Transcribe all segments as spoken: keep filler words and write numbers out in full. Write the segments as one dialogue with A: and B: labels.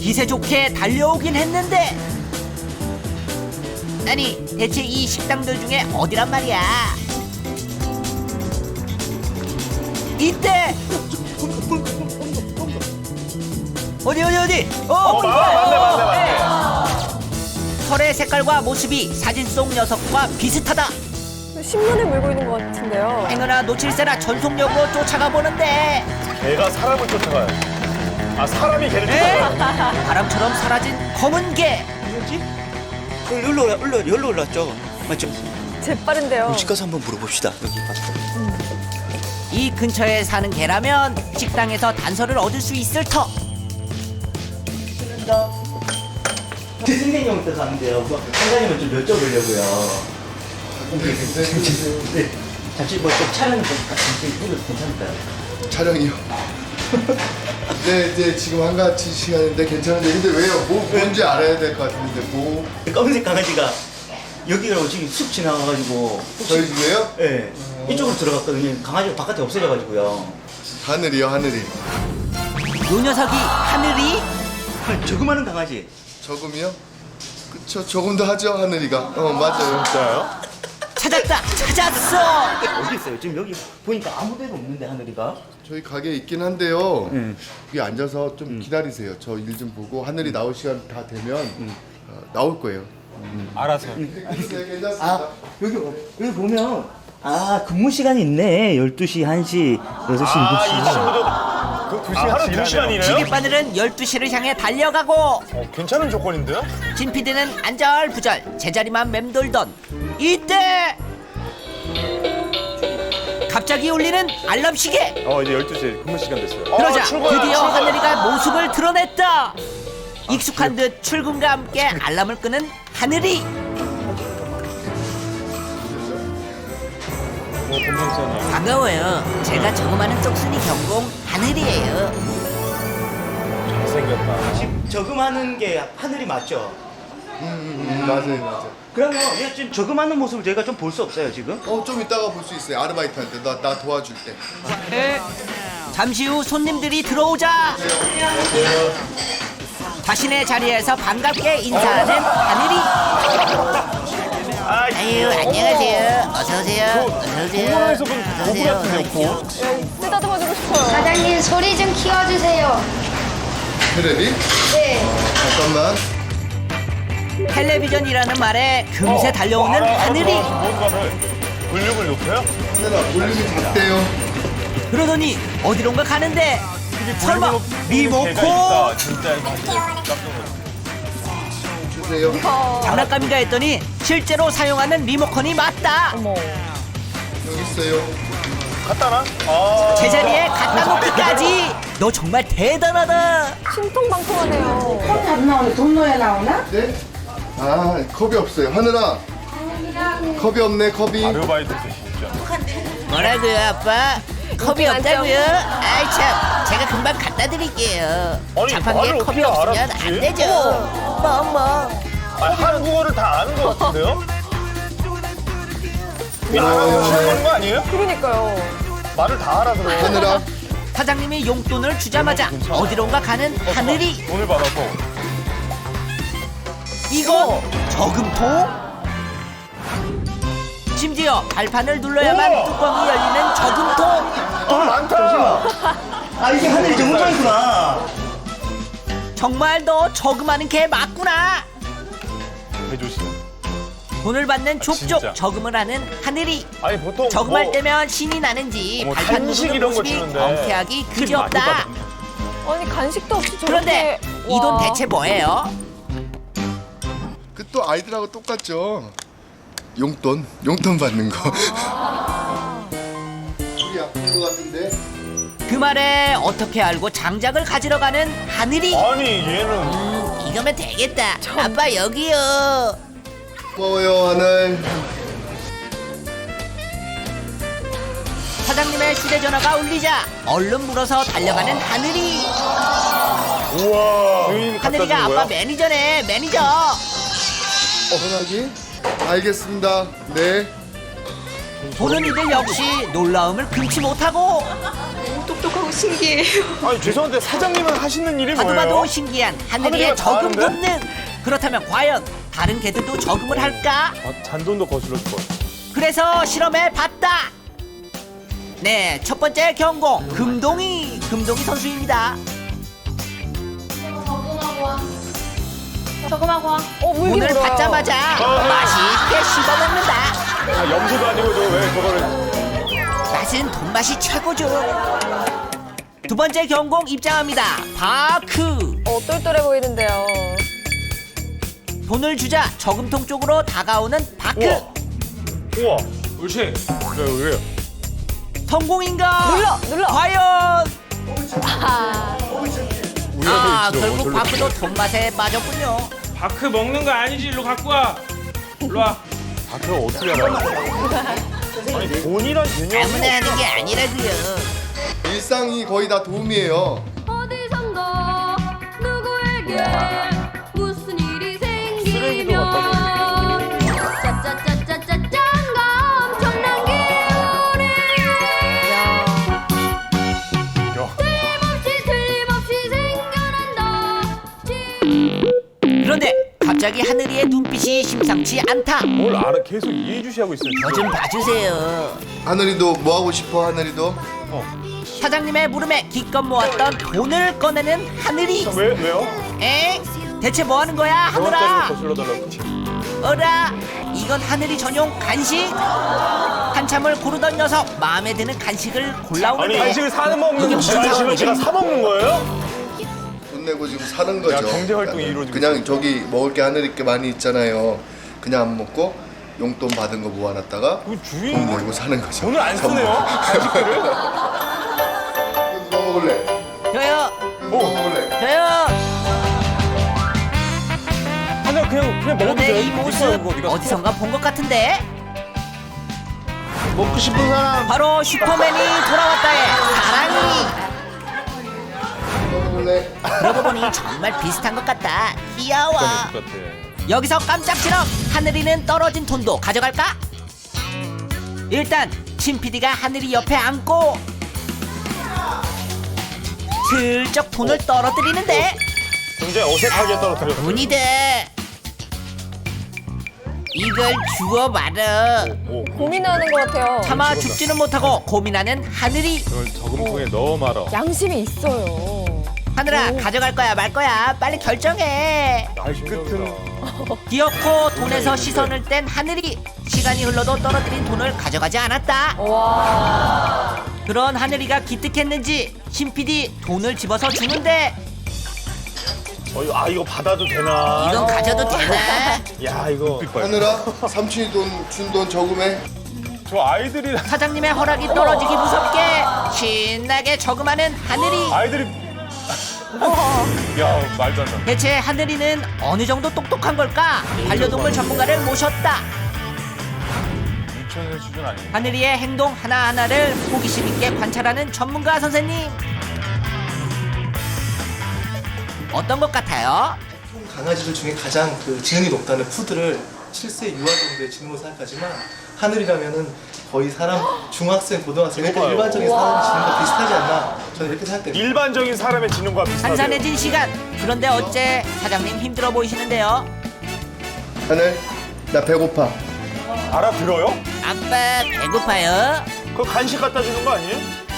A: 기세 좋게 달려오긴 했는데 아니 대체 이 식당들 중에 어디란 말이야. 이때 어디 어디 어디 어,
B: 어, 맞네, 맞네, 맞네.
A: 털의 색깔과 모습이 사진 속 녀석과 비슷하다.
C: 신문을 물고 있는 것 같은데요.
A: 행여나 놓칠세라 전속력으로 쫓아가 보는데
B: 개가 사람을 쫓아가요. 아, 사람이 개를
A: 에?
B: 쫓아가요.
A: 바람처럼 사라진 검은 개.
D: 뭐지? 여기로 올라, 올라, 여기로 올랐죠? 맞죠?
C: 재빠른데요.
D: 집 가서 한번 물어봅시다. 여기 봤을 때.
A: 이 근처에 사는 개라면 식당에서 단서를 얻을 수 있을 터.
D: 선생님 형 가는데요. 선생님은 좀 여쭤보려고요. 네. 잠시 뭐좀 촬영 좀 같이 해도 괜찮을까요?
E: 촬영이요. 네, 이제 지금 한가지 시간인데 괜찮은데 근데 왜요? 뭐 뭔지 알아야 될 것 같은데 뭐
D: 검은색 강아지가 여기로 지금 쑥 지나가가지고 혹시
E: 저희 집에요?
D: 네. 이쪽으로 들어갔거든요. 강아지가 바깥에 없어져가지고요.
E: 하늘이요, 하늘이.
A: 요 녀석이 하늘이
D: 조그마한 강아지.
E: 저금이요? 그쵸, 조금도 하죠, 하늘이가. 어, 맞아요.
B: 진짜요?
A: 찾았다 찾았어.
D: 어디 있어요? 지금 여기 보니까 아무 데도 없는데 하늘이가.
E: 저희 가게에 있긴 한데요.
D: 음.
E: 여기 앉아서 좀 기다리세요. 저 일 좀 보고 하늘이 나올 시간 다 되면 어, 나올 거예요.
B: 알아서.
E: 네, 괜찮습니다.
D: 아 여기 여기 보면 아 근무 시간이 있네. 열두 시, 한 시, 여섯 시,
B: 아, 이
D: 일곱 시.
B: 친구도 그 두 시간, 하루 두 시간이네요?
A: 지깃바늘은 열두 시를 향해 달려가고
B: 어, 괜찮은 조건인데요?
A: 진 피디는 안절부절 제자리만 맴돌던 이때 갑자기 울리는 알람 시계.
B: 어, 이제 열두 시에 근무 시간 됐어요.
A: 그러자
B: 어, 출근이야,
A: 드디어
B: 출근.
A: 하늘이가 모습을 드러냈다. 익숙한 듯 출근과 함께 알람을 끄는 하늘이.
B: 뭐, 금방잖아요.
A: 반가워요. 제가 저거만은 똑순이 경공 하늘이에요.
B: 잘생겼다.
D: 지금 저금하는 게 하늘이 맞죠?
E: 음, 맞아요, 맞아요.
D: 그러면 얘 지금 저금하는 모습을 저희가 좀 볼 수 없어요 지금?
E: 어, 좀 이따가 볼 수 있어요. 아르바이트한테 나, 나 도와줄 때.
A: 잠시 후 손님들이 들어오자 자신의 자리에서 반갑게 인사하는 하늘이.
B: 아,
A: 아유 안녕하세요. 어서 오세요. 어서 오세요.
B: 공원에서 본 고부 같은데요, 고?
C: 쓰다듬어주고 싶어요.
F: 사장님 소리 좀 키워주세요.
E: 테레비?
F: 네.
E: 잠깐만.
A: 텔레비전이라는 말에 금세 달려오는 하늘이.
B: 뭔가를 볼륨을 높여요?
E: 하늘아, 볼륨이 작대요.
A: 그러더니 어디론가 가는데 설마
B: 개가
A: 리모컨?
B: 있다. 진짜 깜짝 놀랐어.
E: 주세요.
A: 장난감인가 했더니 실제로 사용하는 리모컨이 맞다.
C: 어머.
E: 여기 있어요.
B: 갖다 놔? 아.
A: 제자리에 갖다 놓기까지. 너 정말 대단하다.
C: 신통방통하네요.
G: 안 나오네. 돈 넣어야 나오나?
E: 네? 아, 컵이 없어요. 하늘아. 컵이 없네, 컵이.
B: 아르바이트 진짜.
A: 뭐라고요 아빠? 컵이
C: 인기
A: 없다고요? 아이 참 제가 금방 갖다 드릴게요.
B: 아니,
A: 자판기에
B: 말을
A: 컵이
B: 어떻게
A: 없으면
B: 알아듣지?
A: 안 되죠. 뭐 뭐.
B: 아, 한국어를 다 아는 것 같은데요? 이
E: 어.
B: 알아듣는 거 아니에요?
C: 그러니까요.
B: 말을 다 알아들어요.
E: 하늘아.
A: 사장님이 용돈을 주자마자 어디론가 가는 하늘이.
B: 돈을 받아서.
A: 이거 저금통? 심지어 발판을 눌러야만
B: 우와!
A: 뚜껑이 열리는 저금통.
B: 돈 많다!
D: 아 이게 하늘이 정상이구나.
A: 정말 너 저금하는 개 맞구나.
B: 해조심.
A: 돈을 받는 족족
B: 진짜.
A: 저금을 하는 하늘이.
B: 아니, 보통.
A: 저금할
B: 뭐,
A: 때면 신이 나는지
B: 뭐
A: 발판
B: 간식
A: 누르는
B: 이런 거
A: 모습이
B: 주는데
A: 경쾌하기
B: 팁 많이
A: 그지없다.
B: 받았네.
C: 아니 간식도 없이 저렇게.
A: 그런데 이 돈
C: 와.
A: 대체 뭐예요?
E: 그 또 아이들하고 똑같죠. 용돈, 용돈 받는 거. 우리 아픈 거 같은데.
A: 그 말에 어떻게 알고 장작을 가지러 가는 하늘이.
B: 아니, 얘는.
A: 음, 이거면 되겠다. 아빠 여기요.
E: 고마워요, 하늘.
A: 사장님의 휴대전화가 울리자 얼른 물어서 달려가는 하늘이.
B: 우와. 주인 갖다
A: 하늘이가
B: 주는
A: 아빠
B: 거야?
A: 매니저네 매니저.
E: 전화기? 알겠습니다. 네.
A: 보는 이들 역시 놀라움을 금치 못하고
C: 똑똑하고 신기해요.
B: 아니 죄송한데 사장님은 하시는 일이
A: 봐도
B: 뭐예요?
A: 봐도 신기한 하늘이의
B: 하늘이가
A: 저금
B: 다
A: 본능. 그렇다면 과연 다른 개들도 저금을 할까?
B: 아, 잔돈도 거슬러줄 거야.
A: 그래서 실험해 봤다. 네, 첫 번째 경공 금동이 금동이 선수입니다.
C: 저금하고 와. 어, 물기
A: 돈을
C: 물어요.
A: 받자마자 맛있게 씹어 먹는다.
B: 아, 염소도 아니고 저왜 저거를
A: 맛은 돈맛이 최고죠. 두 번째 경공 입장합니다. 바크.
C: 어, 똘똘해 보이는데요.
A: 돈을 주자 저금통 쪽으로 다가오는 바크.
B: 우와. 우와. 옳지. 네, 왜요?
A: 성공인가?
C: 눌러, 눌러.
A: 과연?
C: 아,
A: 아,
B: 우연히
A: 결국
B: 저로.
A: 바크도 돈맛에 빠졌군요.
H: 바크 먹는 거 아니지? 일로 갖고 와. 일로 와.
B: 아, 그거 어떻게 알아요? 아니 돈이란 개념이
A: 아무나 하는 게 아니라고요.
E: 일상이 거의 다 도움이에요.
I: 어디선가 누구에게 무슨 일이
B: 쓰레기도 갖다
I: 생기면 짜짜짜짜짜짠가 엄청난 기운이 틀림없이 틀림없이 생겨난다.
A: 그런데 갑자기 하늘이의 눈빛이 심상치 않다.
B: 뭘 알아? 계속 이해주시하고 있어요.
A: 저 좀 봐주세요.
E: 하늘이도 뭐 하고 싶어? 하늘이도?
A: 사장님의 물음에 기껏 모았던 돈을 꺼내는 하늘이.
B: 왜 왜요?
A: 에? 대체 뭐 하는 거야,
B: 원짜리를
A: 하늘아?
B: 거슬러 달라고.
A: 어라? 이건 하늘이 전용 간식? 한참을 고르던 녀석 마음에 드는 간식을
B: 아니
A: 골라오는데
B: 간식을 사는
A: 이게
B: 먹는
A: 무슨
B: 간식을
A: 상황이지?
B: 제가 사 먹는 거예요?
E: 돈 내고 지금 사는 거죠.
B: 야, 경제 활동이 이루어지고
E: 그냥 저기 먹을 게 하늘이 게 많이 있잖아요. 그냥 안 먹고 용돈 받은 거 모아놨다가
B: 그 주인
E: 돈 내고 사는 거죠.
B: 돈을 안 쓰네요. 간식들을.
E: 누가 먹을래?
A: 저요,
E: 누가 먹을래?
A: 저요.
B: 하나 그냥 그냥 먹어도
A: 그런데
B: 돼요.
A: 이 모습 어디선가 본 것 같은데
B: 먹고 싶은 사람.
A: 바로 슈퍼맨이 돌아왔다의 사랑이.
E: 누가 먹을래?
A: 그러고 보니 정말 비슷한 것 같다. 귀여워.
B: 같아.
A: 여기서 깜짝지럭 하늘이는 떨어진 돈도 가져갈까? 일단 친 피디가 하늘이 옆에 앉고 슬쩍 돈을 떨어뜨리는데
B: 굉장히 어색하게 떨어뜨려.
A: 돈이 돼. 이걸 주워 말어.
B: 오,
C: 고민하는 것 같아요.
A: 차마 죽지는 못하고 고민하는 하늘이.
B: 이걸 저금통에 넣어 말아.
C: 양심이 있어요.
A: 하늘아, 가져갈 거야 말 거야 빨리 결정해.
B: 발끝은
A: 기어코 돈에서 시선을 뗀 하늘이. 시간이 흘러도 떨어뜨린 돈을 가져가지 않았다.
C: 와.
A: 그런 하늘이가 기특했는지 신 피디 돈을 집어서 주는데
B: 어, 이거, 아 이거 받아도 되나?
A: 이건 가져도 되나?
B: 야 이거
E: 하늘아, 삼촌이 돈 준 돈 저금해.
B: 저 아이들이
A: 사장님의 허락이 떨어지기 무섭게 신나게 저금하는 하늘이.
B: 아이들이 야 말도 안 돼.
A: 대체 하늘이는 어느 정도 똑똑한 걸까? 반려동물 전문가를 모셨다.
B: 유치원 수준 아니에요?
A: 하늘이의 행동 하나하나를 호기심 있게 관찰하는 전문가 선생님. 어떤 것 같아요?
J: 강아지들 중에 가장 그 지능이 높다는 푸드를 칠 세 유아 정도의 지능으로 생각하지만 하늘이라면은 거의 사람 중학생, 고등학생 그러니까
B: 높아요.
J: 일반적인 사람의 지능과 비슷하지 않나 저는 이렇게 생각됩니다.
B: 일반적인 사람의 지능과 비슷하대요.
A: 한산해진 시간. 그런데 어째 사장님 힘들어 보이시는데요?
E: 하늘, 나 배고파.
B: 알아들어요?
A: 아빠 배고파요?
B: 그거 간식 갖다 주는 거 아니에요?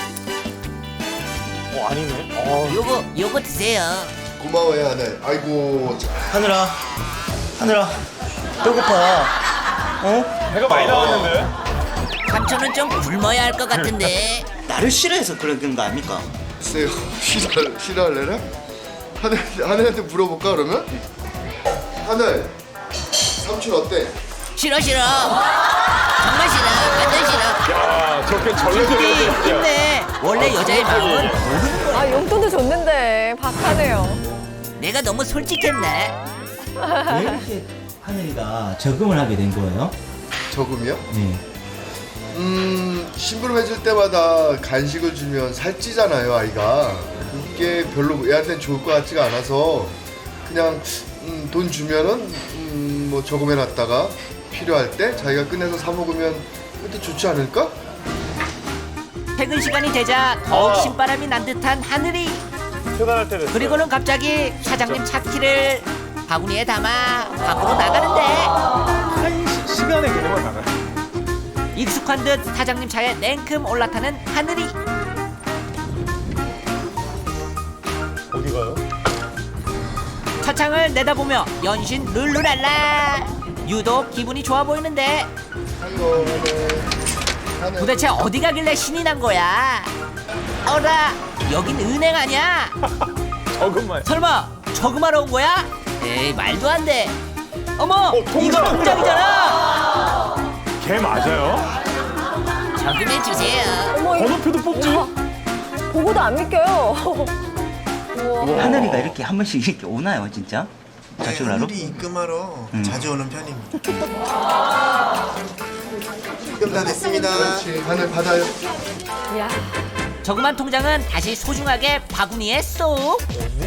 B: 어 아니네. 어,
A: 요거 요거 드세요.
E: 고마워요, 하늘. 아이고, 자,
D: 하늘아, 하늘아, 배고파. 어?
B: 배가 많이 나왔는데.
A: 삼촌은 좀 굶어야 할 것 같은데.
D: 나를 싫어해서 그런 거 아닙니까?
E: 글쎄요. 싫어, 싫어할래나? 하늘, 하늘한테 물어볼까, 그러면? 하늘, 삼촌 어때?
A: 싫어 싫어. 정말 싫어. 완전 싫어.
B: 야 저렇게
A: 피디
B: 절레절레.
A: 힘내. 원래 여자의 마음은 모르는 거야.
C: 아, 용돈도 줬는데 박하네요.
A: 내가 너무 솔직했네.
D: 왜 이렇게 하늘이가 적응을 하게 된 거예요?
E: 저금이요?
D: 네.
E: 음, 심부름해줄 때마다 간식을 주면 살찌잖아요, 아이가. 그게 별로 애한테는 좋을 것 같지가 않아서 그냥 음, 돈 주면은 음, 뭐 저금해놨다가 필요할 때 자기가 꺼내서 사 먹으면 그것도 좋지 않을까?
A: 퇴근 시간이 되자 더욱
B: 아.
A: 신바람이 난 듯한 하늘이.
B: 퇴근할 때 됐어요.
A: 그리고는 갑자기 사장님 차 키를 바구니에 담아 밖으로 나가는데
B: 한 시, 시간의 개념을 나가요.
A: 익숙한 듯 사장님 차에 냉큼 올라타는 하늘이.
B: 어디 가요?
A: 차창을 내다보며 연신 룰루랄라. 유독 기분이 좋아 보이는데
E: 아이고, 네. 하늘.
A: 도대체 어디 가길래 신이 난 거야? 어라, 여긴 은행 아니야?
B: 저금만.
A: 설마 저금하러 온 거야? 에이, 말도 안 돼. 어머,
B: 어, 통장!
A: 이거 통장이잖아.
B: 걔 맞아요?
A: 저금해 주세요.
C: 어머, 이거
B: 번호표도 뽑지?
C: 보고도 안 믿겨요. 우와.
D: 하늘이가 이렇게 한 번씩 이렇게 오나요, 진짜? 자주 하러?
J: 하늘이 입금하러
D: 음.
J: 자주 오는 편입니다. 입금 다 됐습니다.
E: 그렇지. 하늘 받아요.
C: 이야.
A: 저금한 통장은 다시 소중하게 바구니에 쏙.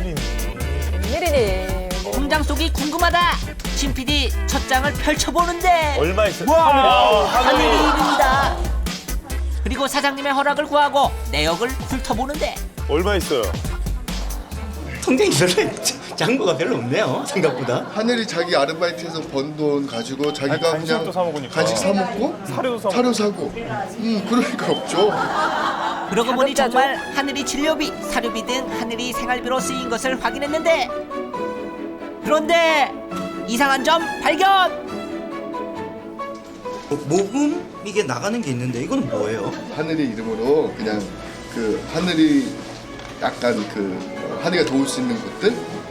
C: 웬일이니.
A: 통장 속이 궁금하다. 신 피디 첫 장을 펼쳐보는데
B: 얼마 있어요?
A: 와,
B: 하늘이.
A: 하늘이 일입니다. 그리고 사장님의 허락을 구하고 내역을 훑어보는데
B: 얼마 있어요?
D: 통장이 별로 작은 거가 별로 없네요, 생각보다.
E: 하늘이 자기 아르바이트에서 번 돈 가지고 자기가
B: 아니, 간식도
E: 그냥
B: 사 먹으니까.
E: 간식 사 먹고
B: 사료도 사
E: 사료 사고. 음, 그러니까 없죠.
A: 그러고 보니
C: 자급자족.
A: 정말 하늘이 진료비, 사료비 등 하늘이 생활비로 쓰인 것을 확인했는데 그런데 이상한 점 발견!
D: 모금 이게 나가는 게 있는데 이거는 뭐예요?
E: 하늘이 이름으로 그냥 그 하늘이 약간 그 하늘이가 도울 수 있는 것들.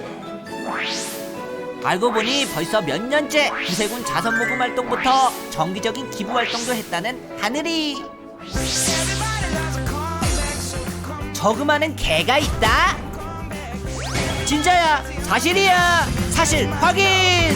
A: 알고 보니 벌써 몇 년째 구세군 자선 모금 활동부터 정기적인 기부 활동도 했다는 하늘이. 저금하는 개가 있다? 진짜야? 사실이야? 사실 확인!